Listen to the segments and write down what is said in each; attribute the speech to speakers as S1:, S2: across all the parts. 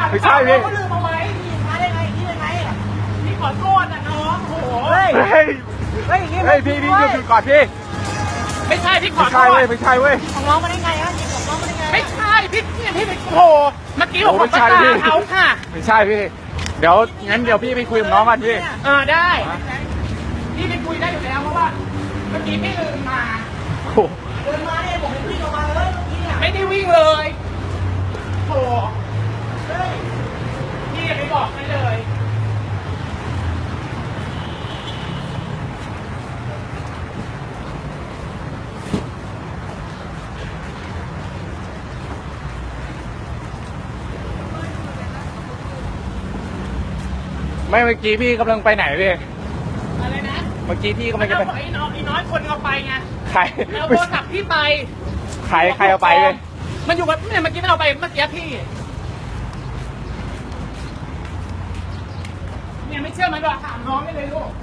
S1: ไม่ใช่พี่
S2: เขาลืมเอาไว้พี่มาได้ไงนี่ได้ไงพี่ขอโทษนะน้องโอ้โห
S1: เฮ้ยพี่หยุดก่อนพี่
S2: ไม่ใช่พี่ขอ
S1: ไม่
S2: โท
S1: ใช่
S2: ษ
S1: เว้ยไม่ใช่เว้ย
S2: ของน้องมาได้ไงฮะของน้องมาได้ไงไม่ใช่พี่ไปโอ้เมื่อกี้ผมประกาศเขาค่ะ
S1: ไม่ใช่พี่เดี๋ยวงั้นเดี๋ยวพี่ไปคุยกับน้องกันพี่
S2: ได้พี่ไปคุยได้อยู่แล้วเพราะว่าเมื่อกี้พี่เดินมาเดินมาเนี่ยผมวิ่งออกมาเลยเมื่อกี้เนี่ยไม่ได้วิ่งเลยโอ้พี่อย่าไปบอกใครเลย
S1: ไม่เมื่อกี้พี่กำลังไปไหนพี่
S2: อะไรนะ
S1: เมื่อกี้พี่กำลังจะไป
S2: ไอ้น้อยคนเอาไปไง
S1: ใคร
S2: เอาโทรศัพท์พี่ไป
S1: ใครเอาไปเลย
S2: มันอยู่กับเนี่ยเมื่อกี้มันเอาไปเมื่อกี้พี่เนี่ยไม่เชื่อมันหรอกถามน้องได้เลยลูก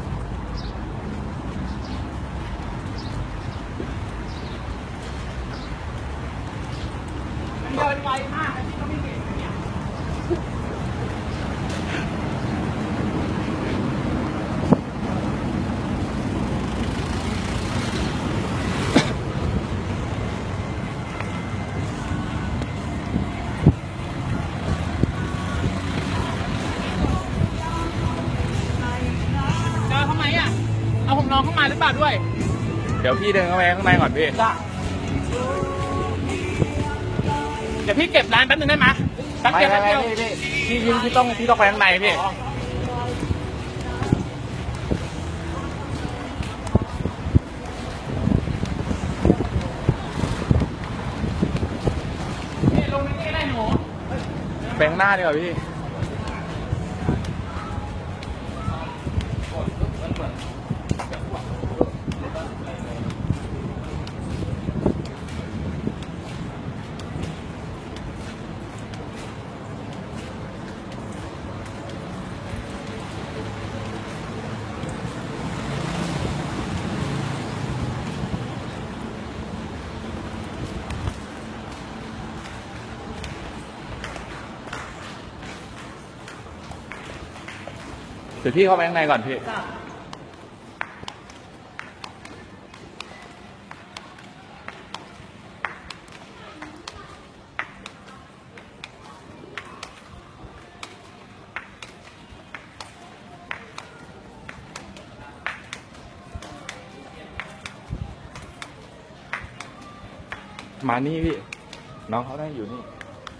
S2: มันเดินไวมากพี่ก็ไม่เห็นเนี่ยทำไมอ่ะเอาผมน้องเข้ามาหรือเปล่าด้วย
S1: เดี๋ยวพี่เดินเข้าไปข้างในก่อนพี่
S2: เดี๋ยวพี่เก็บร้านแป๊บนึงได้ไหมแป๊บเดียว
S1: พี่ต้องไปข้างในพี่
S2: ลงนี่ได้หนู
S1: ไปข้างหน้าดีกว่าพี่เดี๋ยวพี่เข้าไปข้างในก่อนพี่มานี่พี่น้องเขาได้อยู่นี่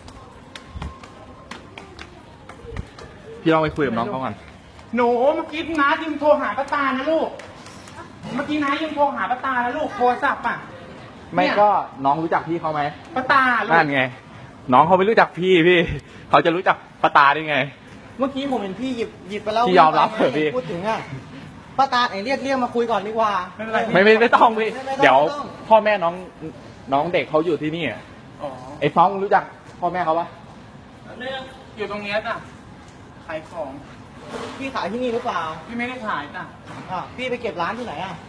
S1: พี่ลองไปคุยกับน้องเขาก่อน
S2: หนูเมื่อกี้น้ายืมโทรหาป้าตานะลูกเมื่อกี้น้ายืมโทรหาป้าตาแล้วลูกโทรศัพท์อ่ะ
S1: ไม่ก็น้องรู้จักพี่เขาไหม
S2: ป้าตาลูก
S1: นั่นไงน้องเขาไม่รู้จักพี่เขาจะรู้จักป้าตาได้ไง
S3: เมื่อกี้ผมเห็นพี่หยิบไปแล้ว
S1: พี่ยอมรับเถอะพี่
S3: พูดถึงอ่ะป้าตาไหนเรียกมาคุยก่อนดีกว่า
S1: ไม่ต้องพี่เดี๋ยวพ่อแม่น้องเด็กเขาอยู่ที่นี่ไอ้ฟ้องรู้จักพ่อแม่เขาปะ
S2: เนี่ยอยู่ตรงนี้จ้ะขายของ
S3: พี่ขายที่นี่หรือเปล่า
S2: พี่ไม่ได้ขายจ้ะ
S3: พี่ไปเก็บร้านที่ไหนอ่ะ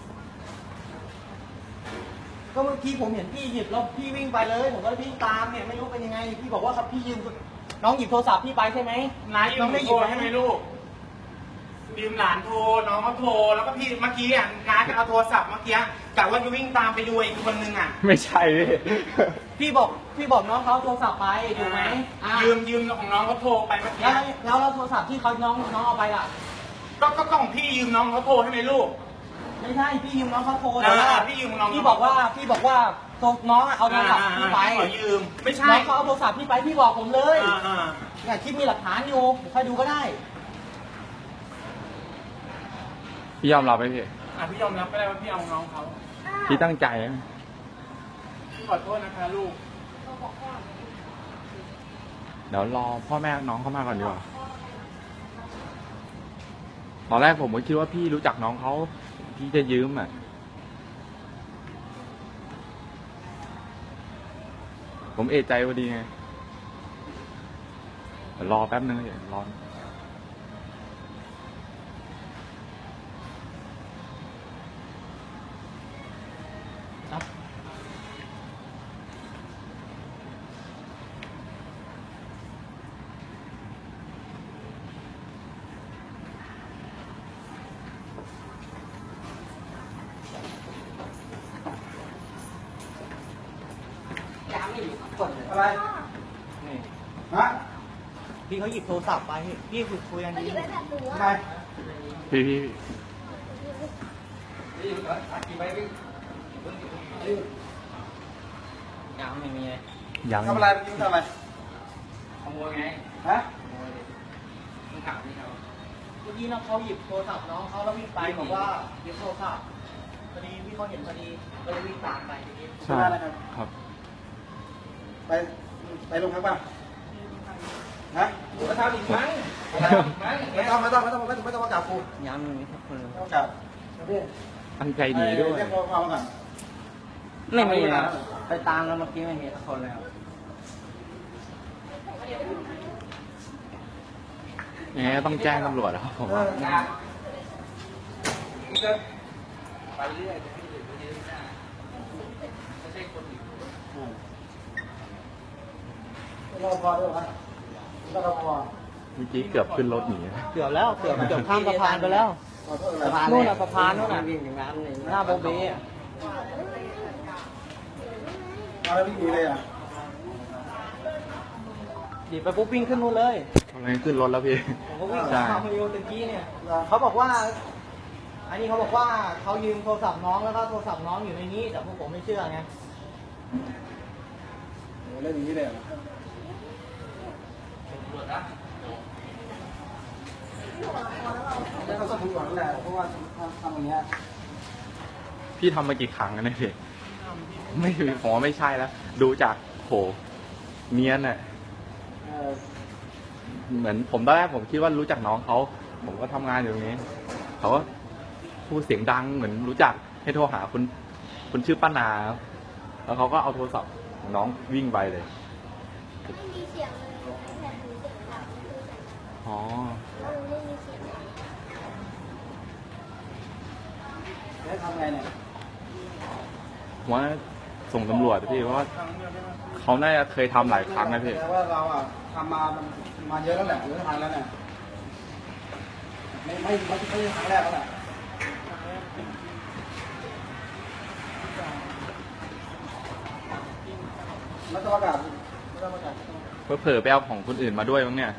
S3: ก็เมื่อกี้ผมเห็นพี่หยิบแล้วพี่วิ่งไปเลยผมก็วิ่งตามเนี่ยไม่รู้เป็นยังไงพี่บอกว่าครับพี่ยืมน้องหยิบโทรศัพท์พี่ไปใช่ไหม
S2: น้ายืมโทรให้ไหมลูกยืมหลานโทรน้องเขาโทรแล้วก็พี่เมื่อกี้อ่ะน้าจะเอาโทรศัพท์เมื่อกี้กะว่าจะวิ่งตามไปดูอีกคนนึงอ่ะ
S1: ไม่ใช่
S3: พี่บอกน้องเขาโทรศัพท์ไปถูกไหม
S2: ยืมของน้องเขาโทรไปเมื่อกี้
S3: แล้วโทรศัพท์ที่เขาน้องเอาไปล่ะ
S2: ก็ของพี่ยืมน้องเขาโทรให้ไหมลูก
S3: ไม่ใช่พี่ยืมน้องเขาโทร
S2: พี่ยืมน้อง
S3: พี่บอกว่าน้องเอาโทรศัพท์พี่ไป
S2: ยืมไม่ใช่
S3: น้องเขาเอาโทรศัพท์พี่ไปพี่บอกผมเลยเนี่ยคลิปมีหลักฐานอยู่ใครดูก็ได้
S1: พี่ยอมรับไหมพี่
S2: พี่ยอมรับก็ได้ว่าพี่เอาน้องเขา
S1: พี่ตั้งใจ
S2: พี่ขอโทษนะคะลูก
S1: เดี๋ยวรอพ่อแม่น้องเข้ามาก่อนดีกว่าตอนแรกผมก็คิดว่าพี่รู้จักน้องเขาพี่จะยืมผมเอะใจพอดีไงเดี๋ยวรอแป๊บนึงเดี๋ยวรอ
S3: อะไร
S2: นี่
S3: ฮะ
S2: พี่เขาหยิบโทรศัพท์ไปพี่คุยกัน
S4: เขา
S2: ดี
S4: หยิบไอแพดหนู
S3: ทำไม
S4: อะ
S1: พี่
S2: ยังไม่มีเลย
S1: ยัง
S3: ทำอะไรเมื่อกี้มึงทำอะไร
S2: ขโมยไง
S3: ฮะ
S2: มึงถามพี่เขา
S3: เมื่อกี้น้องเขาหยิบโทรศัพท์น้องเขาแล้ววิ่งไปบอกว่าหยิบโทรศัพท์พอดีพี่เขาเห็นพอดีก็เลยวิ่งตามไปทีนี้
S1: ใช่ครับ
S3: ไปโรงพักป่ะฮะ
S2: มาทำอีกครั้ง
S3: ไม่ต้องมาจับกู
S2: ยังไม่มีสักคนเลย
S3: ไม่ต้องจับพี่
S1: ตั้งใจหนีด้วย
S3: เรียกพ่อมาก่อน
S2: ไม่มีนะไปตามแล้วเมื่อกี้ไม่มีสักคนเลยครับ
S1: ยังไงก็ต้องแจ้งตำรวจครับผมว่า
S2: ไปเรื่อย
S3: รอพอด้วยวะรอพอ
S1: เมื่อกี้เกือบขึ้นรถหนี
S2: เกือบแล้วเกือบข้ามสะพานไปแล้ว
S3: ขอโทษอะไร
S2: สะพานนู่นน่ะสะพานนู่นน่ะหน้าโบเบ้อะ
S3: เอาแล้ววิ่งหนีเลยอ่ะ
S2: หยิบไปปุ๊บวิ่งขึ้นนู่นเลย
S1: กำลังขึ้นรถแล้วพี่
S2: ผมก็วิ่ง
S1: ใช่
S2: ตามมาโยนตะกี้เนี่ยเขาบอกว่า อันนี้เขาบอกว่าเขายืมโทรศัพท์น้องแล้วก็โทรศัพท์น้องอยู่ในนี้แต่พวกผมไม่เชื่อไง
S3: โหเล่นอย่างนี้เลยแล้วเขาก็ถูกหวังแหละเพราะว่าทำอย่างเงี้ย
S1: พี่ทำมากี่ครั้งแล้วเนี่ยพี่ไม่ผมว่าไม่ใช่แล้ว ดูจากโหเนียนอ่ะ เหมือนผมตอนแรกผมคิดว่ารู้จักน้องเขา ผมก็ทำงานอยู่ตรงนี้ เขาก็พูดเสียงดังเหมือนรู้จักให้โทรหาคุณชื่อป้านาครับแล้วเขาก็เอาโทรศัพท์ของน้องวิ่งไปเลย
S4: ไม่มีเสียงเลยไอแพดหนูเสียงดังคือแต่
S1: อ๋อ
S4: ว่ามันไม่มีเสียงเลย
S3: แล้วทำไงเนี่ย
S1: ว่าส่งตำรวจพี่เพราะว่าเขาน่าจะเคยทำหลายครั้งนะพี่
S3: แต่ว่าเราอ่ะทำมาเยอะแล้วแหละเยอะทางแล้วเนี่ยไม่ใช่ครั้งแรกแล้วแหละไม่ต้องประกาศไม่ต้องประกาศ
S1: เผลอๆไปเอาของคนอื่นมาด้วยมั้งเนี่ย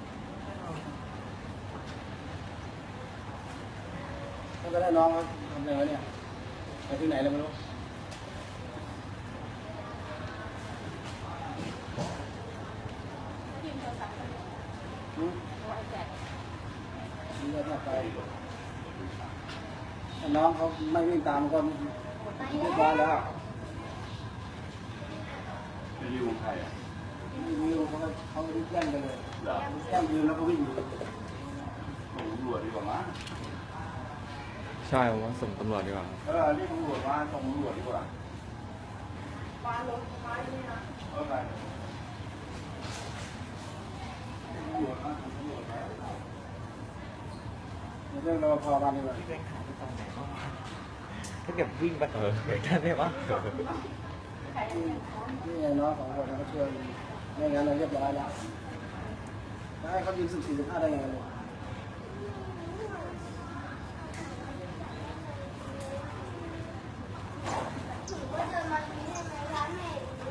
S3: ก็ได้น้องเขาทำอะไรวะเนี่ยไปที่ไหนเลยไม่รู้น้องเขาไม่วิ่งตามก็เรียบร้อยแล้วไม่รู้ใครอ่ะไม่รู้เขาแย่งกันเลยแย่งยืนแล้วก็วิ่งส่งตำรวจดีกว่ามั้ง
S1: ใช่ผมว่าส่งตำรวจดีกว่า
S3: เรียกตำรวจมาส่งตำรวจดีกว่าปารถไฟนี่นะไปตำรวจมาส่งตำรวจมาเรื่องรปภมาดีกว่า
S2: ถ้าเกิดวิ่งไปเกิดได้ไหมวะ
S3: นี่ไงน้อง2 คนเขาช่วยไม่งั้นเราเรียบร้อยแล้วให้เขายืน14-15ได้ยังไงเลย
S4: หนูก็เดินมาตรงนี้ให้ไหมร้านแม่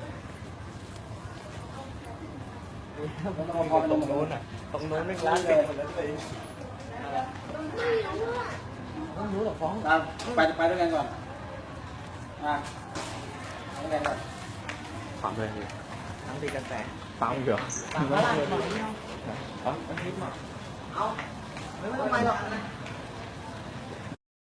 S3: แล้วรปภไปลงตรงนู้น
S2: ตรงโน้นไม่
S3: ร้า
S2: ร้าน น
S3: เล
S2: เลย ย
S3: ต้องรู้หรอฟ้องไปด้วยกันก่อนไปด้วยกันก่อน
S1: ถามเลยพี่
S2: ทั้งตีกันแต่
S1: ตามเหรอ
S2: ตามมาเลย
S3: เอาไม่ต้องไปหรอก